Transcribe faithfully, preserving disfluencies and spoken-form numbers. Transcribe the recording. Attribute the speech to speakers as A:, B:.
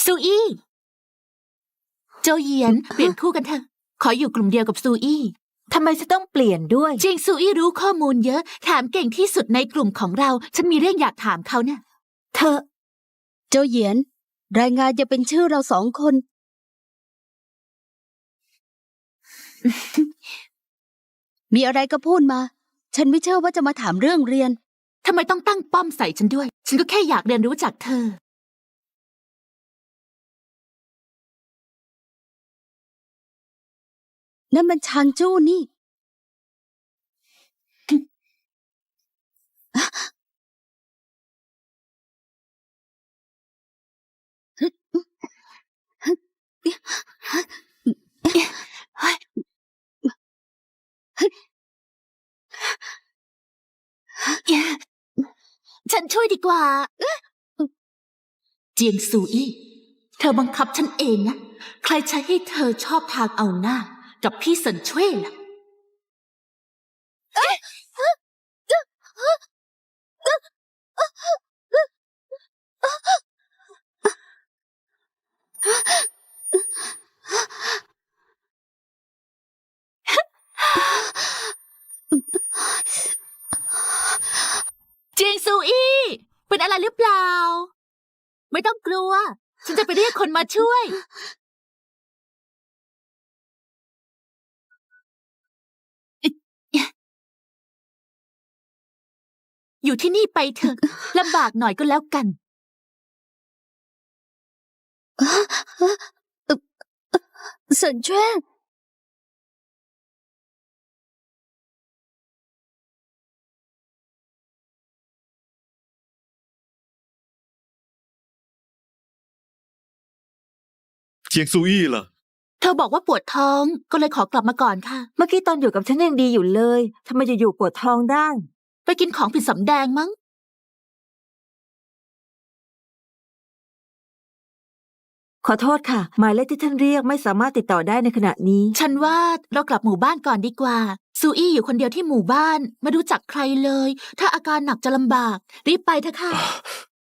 A: ซูอี้โจเหยียนเปลี่ยนคู่กันเถอะขออยู่กลุ่มเดียวกับซูอี้
B: ทำไมจะต้องเปลี่ยนด้วย
A: จริงซูอี้รู้ข้อมูลเยอะแถมเก่งที่สุดในกลุ่มของเราฉันมีเรื่องอยากถามเขาเนี่ย
B: เธอโจเหยียนรายงานจะเป็นชื่อเราสองคน มีอะไรก็พูดมาฉันไม่เชื่อว่าจะมาถามเรื่องเรียน
A: ทำไมต้องตั้งป้อมใส่ฉันด้วยฉันก็แค่อยากเรียนรู้จากเธอ
B: นั่นมันชางจู้นี่
A: ฉันช่วยดีกว่าเจียงซูอี้เธอบังคับฉันเองนะใครใช้ให้เธอชอบทางเอาหน้ากับพี่เซินช่วยล่ะเจียงซูอี้เป็นอะไรหรือเปล่าไม่ต้องกลัวฉันจะไปเรียกคนมาช่วยอยู่ที่นี่ไปเถอะลำบากหน่อยก็แล้วกัน
B: เซินเจ้
C: เจียงซูอี้ล่ะ
A: เธอบอกว่าปวดท้องก็เลยขอกลับมาก่อนค่ะ
B: เมื่อกี้ตอนอยู่กับฉันยังดีอยู่เลยทำไมอยู่ๆปวดท้องได้
A: ไปกินของผิดสำแดงมั้ง
B: ขอโทษค่ะหมายเลขที่ท่านเรียกไม่สามารถติดต่อได้ในขณะนี้
A: ฉันว่าเรากลับหมู่บ้านก่อนดีกว่าซูอี้อยู่คนเดียวที่หมู่บ้านไม่รู้จักใครเลยถ้าอาการหนักจะลำบากรีบไปเถอะค่ะ